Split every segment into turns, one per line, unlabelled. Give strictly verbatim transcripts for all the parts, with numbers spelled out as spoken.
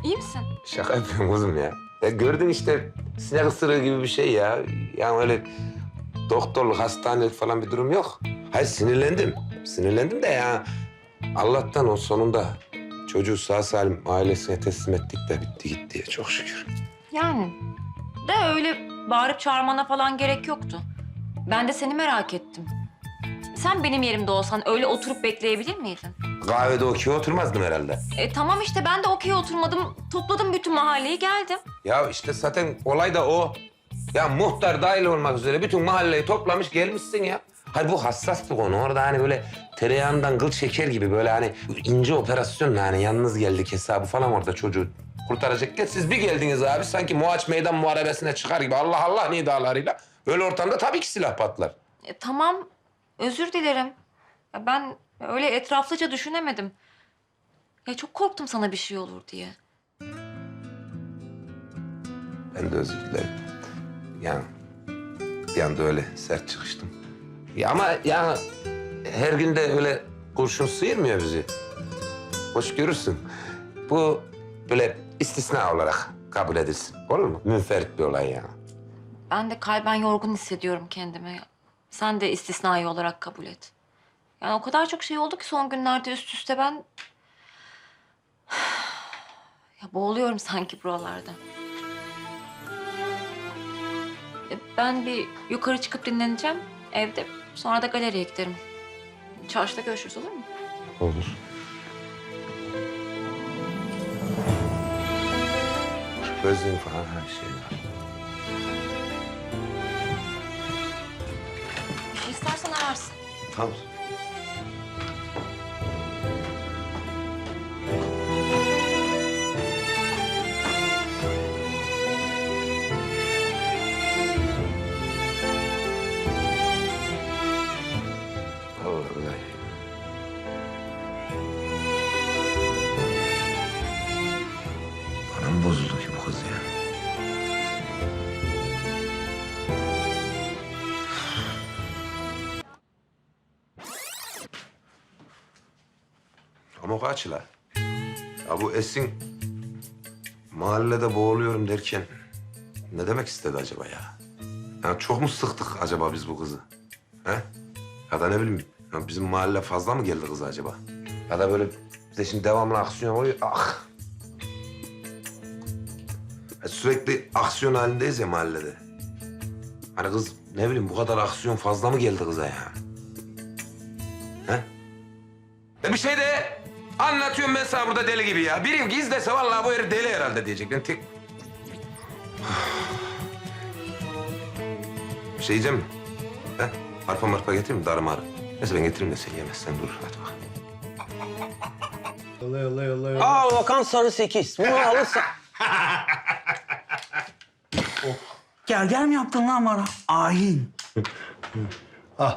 İyi misin?
Şaka yapıyorum kızım ya. Ya gördün işte sinek ısırığı gibi bir şey ya. Yani öyle doktorluk, hastanelik falan bir durum yok. Hayır sinirlendim. Sinirlendim de ya. Allah'tan o sonunda çocuğu sağ salim ailesine teslim ettik de bitti gitti ya çok şükür.
Yani de öyle bağırıp çağırmana falan gerek yoktu. Ben de seni merak ettim. Sen benim yerimde olsan öyle oturup bekleyebilir miydin?
Kahvede okey oturmazdım herhalde.
E tamam işte ben de okey oturmadım. Topladım bütün mahalleyi geldim.
Ya işte zaten olay da o. Ya muhtar dahil olmak üzere bütün mahalleyi toplamış gelmişsin ya. Hayır bu hassas bir konu. Orada hani böyle tereyağından kıl şeker gibi böyle hani ince operasyonla hani yalnız geldik hesabı falan orada çocuğu kurtaracakken siz bir geldiniz abi sanki Muaç Meydan Muharebesi'ne çıkar gibi Allah Allah nidalarıyla. Böyle ortamda tabii ki silah patlar.
E, tamam özür dilerim. Ya ben öyle etraflıca düşünemedim. Ya çok korktum sana bir şey olur diye.
Ben de özür dilerim. Yani bir anda öyle sert çıkıştım. Ya ama ya her gün de öyle kurşun sıyırmıyor bizi. Hoş görürsün. Bu böyle istisna olarak kabul edilsin. Olur mu? Münferit bir olay yani.
Ben de kalben yorgun hissediyorum kendimi. Sen de istisnai olarak kabul et. Yani o kadar çok şey oldu ki son günlerde üst üste ben... Ya boğuluyorum sanki buralarda. E, Ben bir yukarı çıkıp dinleneceğim evde. Sonra da galeriye giderim. Çarşıda görüşürüz olur mu?
Olur. Gözlüğün falan her şey var.
Bir şey istersen ararsın.
Tamam. Vallahi. Bana mı bozuldu ki bu kız ya? Ama kaç la? Ya bu Esin mahallede boğuluyorum derken ne demek istedi acaba ya? Ya çok mu sıktık acaba biz bu kızı? He? Ya da ne bileyim ya bizim mahalle fazla mı geldi kıza acaba? Ya da böyle bize şimdi devamlı aksiyon oluyor. Ah! Ya sürekli aksiyon halindeyiz ya mahallede. Hani kız ne bileyim bu kadar aksiyon fazla mı geldi kıza ya? He? Ya bir şey de anlatıyorum ben sana burada deli gibi ya. Biri gizlese vallahi bu herif deli herhalde diyecek. Ben tek... Bir şey yiyeceğim mi? He? Arpa marpa getireyim mi? Darı marı. Neyse ben getireyim de sen yemezsen dur. Hadi bak.
Yolla yolla yolla yolla.
Aa Okan sarı sekiz. Bunu alırsan... Gel gel mi yaptın lan bana? Ayin.
Ah.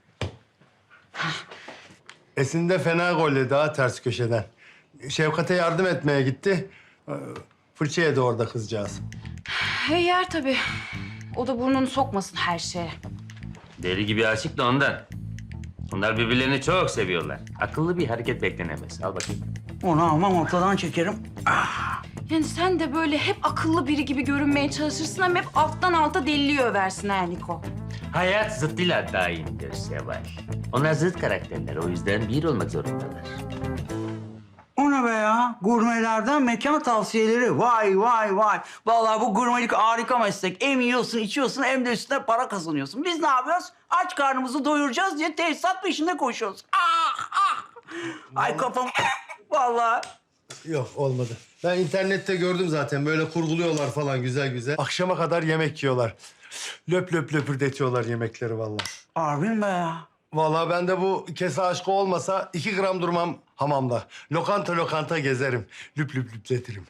Esin de fena golle daha ters köşeden. Şevkat'e yardım etmeye gitti. Ee, Fırça yedi orada kızcağız.
Hey yer tabii. O da burnunu sokmasın her şeye.
Deli gibi aşık da ondan. Onlar birbirlerini çok seviyorlar. Akıllı bir hareket beklenemez. Al bakayım.
Onu almam ortadan çekerim.
Yani sen de böyle hep akıllı biri gibi görünmeye çalışırsın ama hep alttan alta deliliği översin ha Niko.
Hayat zıttıyla daimdir Seval. Onlar zıt karakterler. O yüzden bir olmak zorundalar.
O ne be ya? Gurmelerden mekan tavsiyeleri. Vay vay vay. Vallahi bu gurmelik harika meslek. Hem yiyorsun, içiyorsun hem de üstüne para kazanıyorsun. Biz ne yapıyoruz? Aç karnımızı doyuracağız diye tesisat peşinde koşuyoruz. Ah ah! Ay kafam... Vallahi...
Yok olmadı. Ben internette gördüm zaten böyle kurguluyorlar falan güzel güzel. Akşama kadar yemek yiyorlar. Löp löp löpürdetiyorlar yemekleri vallahi.
Harbin be ya.
Vallahi ben de bu kese aşkı olmasa iki gram durmam hamamda. Lokanta lokanta gezerim. Lüp lüp lüpletirim.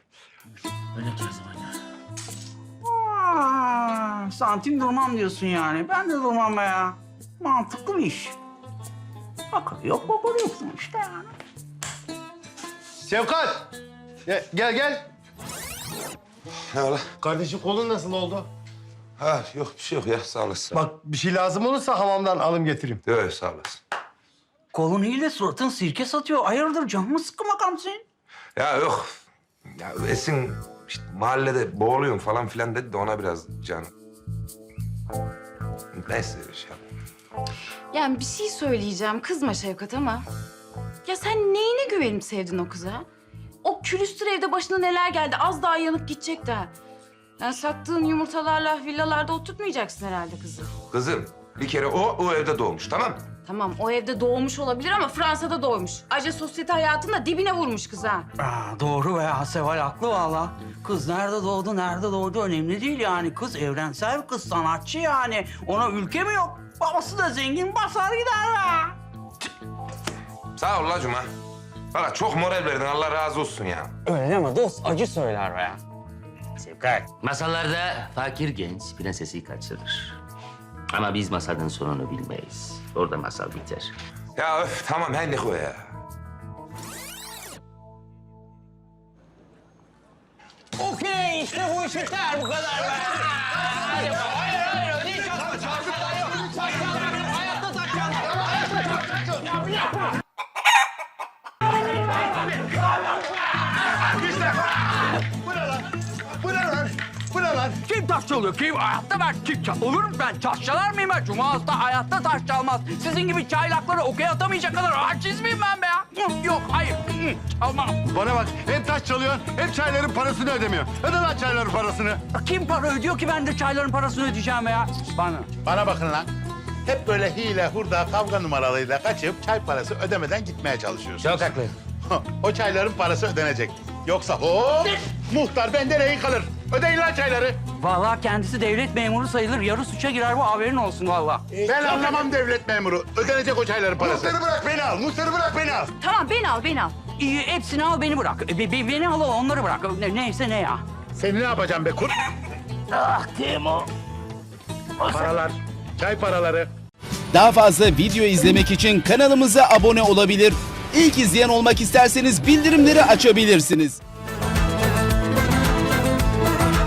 Aa, santim durmam diyorsun yani. Ben de durmam be ya. Mantıklı bir iş. Akıl yok, bakır yok sonuçta yani.
Şevkat! Gel gel. gel.
Ne ola?
Kardeşim kolun nasıl oldu?
Ha yok bir şey yok ya sağ olasın.
Bak bir şey lazım olursa hamamdan alım getireyim.
Yok sağ olasın.
Kolun iyi de suratın sirke satıyor. Hayırdır canımı sıkkın bakalım senin.
Ya yok Ya Esin işte mahallede boğuluyorum falan filan dedi de ona biraz can. Neyse şey yap.
Yani bir şey söyleyeceğim. Kızma Şevkat ama. Ya sen neyine güvenip sevdin o kıza? O külüstür evde başına neler geldi. Az daha yanıp gidecek de. Yani sattığın yumurtalarla villalarda oturtmayacaksın herhalde kızı.
Kızım bir kere o o evde doğmuş tamam mı?
Tamam o evde doğmuş olabilir ama Fransa'da doğmuş. Ayrıca sosyete hayatını da dibine vurmuş kız ha.
Aa, doğru be ya, Seval haklı valla. Kız nerede doğdu, nerede doğdu önemli değil yani. Kız evrensel bir kız, sanatçı yani. Ona ülke mi yok? Babası da zengin, basar gider be.
Sağ ol la Cuma. Valla çok moral verdin Allah razı olsun ya.
Öyle deme dost, acı söyler be ya.
Sevkat. Masallarda fakir genç prensesi kaçırır. Ama biz masalın sonunu bilmeyiz. Orada masal biter.
Ya öf tamam her ne o ya.
Okey, işte bu iş biter bu kadar be. Hayır, hayır, hayır, öyle değil. Çarşılar yok, çarşılar yok. Hayatta taşacağım. Hayatta
Bu ne lan? Bu ne lan? Bu ne lan?
Kim taş çalıyor? Kim? Hayatta ben kim çal... Olur mu ben? Taş çalar mıyım ben? Cuma Usta hayatta taş çalmaz. Sizin gibi çaylakları okey atamayacak kadar aciz miyim ben be ya? Yok, hayır. Çalmam.
Bana bak hem taş çalıyorsun hem çayların parasını ödemiyor. Öde lan çayların parasını.
Kim para ödüyor ki ben de çayların parasını ödeyeceğim be ya? Bana.
Bana bakın lan. Hep böyle hile, hurda, kavga numaralarıyla kaçıp çay parası ödemeden gitmeye çalışıyorsun.
Çok haklı.
O çayların parası ödenecek. Yoksa hop muhtar bende rehin kalır. Ödeyin lan çayları.
Vallahi kendisi devlet memuru sayılır. Yarı suça girer bu, haberin olsun vallahi.
Ben anlamam devlet memuru. Ödenecek o çayların parası.
Muhtarı bırak beni al. Muhtarı bırak beni al.
Tamam beni al beni al.
İyi, hepsini al beni bırak. E, be- be- beni al onları bırak. Ne, neyse ne ya.
Seni ne yapacağım be kurt? Ah Timo. Paralar, çay paraları.
Daha fazla video izlemek için kanalımıza abone olabilir. İlk izleyen olmak isterseniz bildirimleri açabilirsiniz.